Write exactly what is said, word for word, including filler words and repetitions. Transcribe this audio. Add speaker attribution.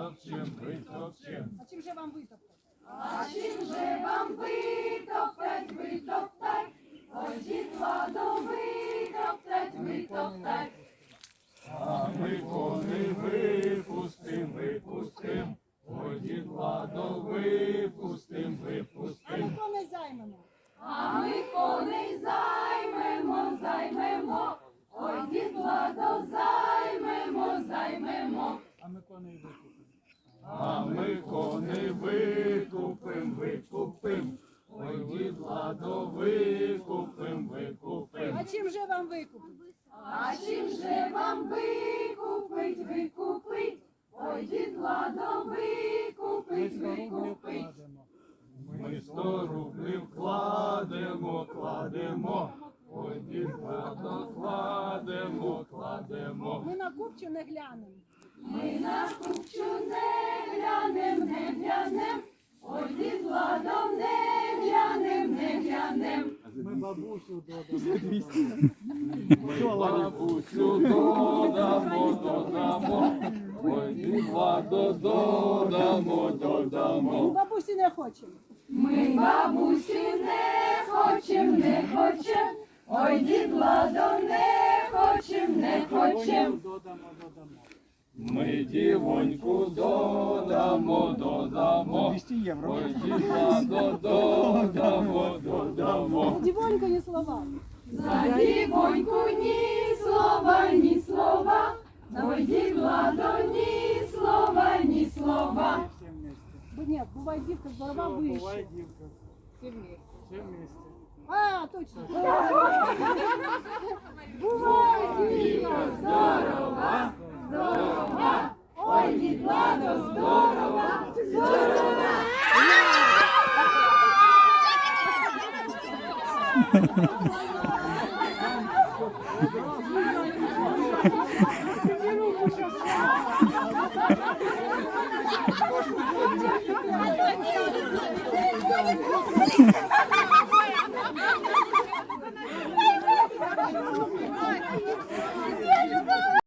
Speaker 1: витопчем, витопчем.
Speaker 2: А чим же вам витоптати?
Speaker 3: А чим же вам витоптать, витоптать? Ой, дід Владо, витоптать, витоптать.
Speaker 1: А ми коней випустим, випустим. Ой, дід Владо, випустим,
Speaker 2: А
Speaker 1: випустим.
Speaker 2: ми коней займемо.
Speaker 3: А ми коней займемо, займемо. Ой, дід Владо, займемо, займемо.
Speaker 1: А ми коней викупим, викупим. Ой, дід Владо, викупим, викупим.
Speaker 2: А чим же вам викупити?
Speaker 3: А чим же вам викупить, викупить? Ой, дід Владо, викупить, викупить.
Speaker 1: Ми сто рублів кладемо, кладемо. Ой, дід Владо, кладемо, кладемо.
Speaker 2: Ми на купчу не глянемо.
Speaker 3: Ми на купчу не глянем, не глянем. Ой, дід Владо, не глянем, не глянем.
Speaker 4: Ми бабусю додамо.
Speaker 1: Бабусю додамо, додамо. Ой, дід Владо, додамо,
Speaker 2: Ми
Speaker 1: додамо.
Speaker 2: бабусі не хочемо.
Speaker 3: Ми бабусю не хочем, не хочем. Ой, дід Владо, не хочем, не хочем.
Speaker 4: Додамо, додамо.
Speaker 1: Ми дівоньку додамо, додамо.
Speaker 4: двісті євро.
Speaker 1: Ой, дід Владо, додамо, додамо.
Speaker 2: Дівонько, ні слова.
Speaker 3: За дівоньку ні слова, ні слова. Ой, дід Владо, ні слова, ні слова.
Speaker 4: Всі вместе.
Speaker 2: Бо ні, буває дівка здорова
Speaker 4: Все,
Speaker 2: вище.
Speaker 4: буває дівка.
Speaker 2: Всі вместе.
Speaker 4: Все вместе.
Speaker 2: А, точно. Буває дівка
Speaker 3: Здорова, здорова. Ой, дід Владо, здорова, здорова.
Speaker 2: здорова.